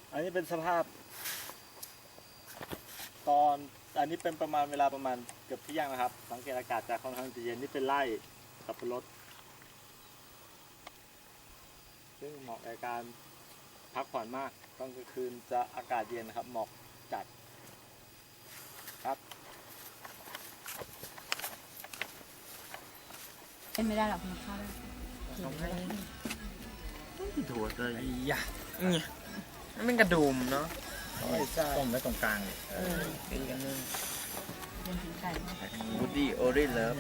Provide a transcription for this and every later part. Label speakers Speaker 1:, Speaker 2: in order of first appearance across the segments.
Speaker 1: อันนี้เป็นสภาพตอนอันนี้เป็นประมาณเวลาประมาณเกือบเที่ยงนะครับสังเกตอากาศจะค่อนข้างจะเย็นนี่เป็นไร่สับปะรดซึ่งเหมาะกับการพักผ่อนมากตอนกลางคืนจะอากาศเย็นนะครับหมอกจัดครับ
Speaker 2: เป็นไม่ได้หรอกคุณข้าว
Speaker 3: ถั่วเลยยะเนี่ยมันเป็นกระดุมเนาะต้มไว้ตรงกลางตีกันนึง
Speaker 2: เป็นถึงไก่
Speaker 3: บูดี้โอริเลิฟ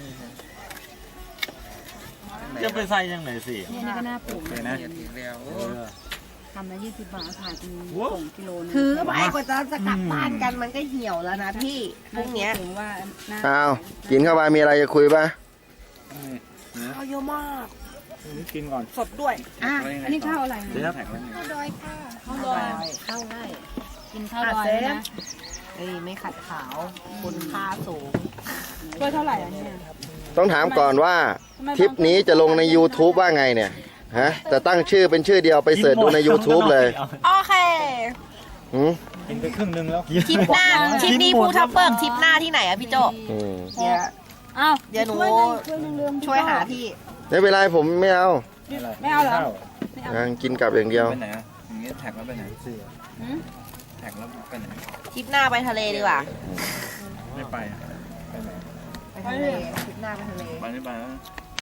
Speaker 1: จะไปใส่ยังไงสิ
Speaker 2: นี่ก็น่าปลูก
Speaker 3: เลยนะทีเดียว
Speaker 2: ทำละ20 บาทขายเป็นส่งกิโลนึง
Speaker 4: ถือไปกว่าจะกลับบ้านกันมันก็เหี่ยวแล้วนะพี่พรุ่งเนี้ย
Speaker 2: ถึงว่า
Speaker 5: อ้าวกินเข้าไปมีอะไรจะคุยป่ะ
Speaker 4: เอาเยอะมาก
Speaker 1: นี่กินก่อน
Speaker 4: สดด้วย
Speaker 2: อ่ะอันนี้ข้าวอะไร
Speaker 1: เดี๋ยว
Speaker 4: ข้าวดอยค่ะ
Speaker 2: ข้าวดอยข้าวไร่กินข้าวดอยนะ
Speaker 4: เอ้ยไม่ขัดขาวคุณค่าสูง
Speaker 2: ถ้วยเท่าไหร่อันนี้
Speaker 5: ต้องถามก่อนว่าทริปนี้จะลงใน YouTube ว่าไงเนี่ยฮะจะตั้งชื่อเป็นชื่อเดียวไปเสิร์ชดูใน YouTube เลย
Speaker 4: โอเค
Speaker 5: หืม
Speaker 1: กินไปครึ่งนึงแล้ว
Speaker 4: ทริปหน้าทริปนี้ภูทับเบิกทริปหน้าที่ไหนอะพี่โจ
Speaker 5: อืม
Speaker 4: เดี๋ยว
Speaker 2: อ้าว
Speaker 4: เดี๋ยวหนู
Speaker 2: ช่วยนึงเรื่อง
Speaker 4: ช่วยหาที่
Speaker 5: ไม่เป็นไรผมไม่เอา
Speaker 2: ไม่เอาเหรอ
Speaker 5: อ่ะกินกลับอย่างเดียว
Speaker 3: ไปไหนอ่ะอย่างงี้แท็กแล้วไปไหนแท็กแล้วไปไหน
Speaker 4: ทริปหน้าไปทะเลดีกว่า
Speaker 3: ไม่ไปไปไหน
Speaker 4: ไปทะเลทริปหน้าไปทะเล
Speaker 3: ไปไม่ไปแล้ว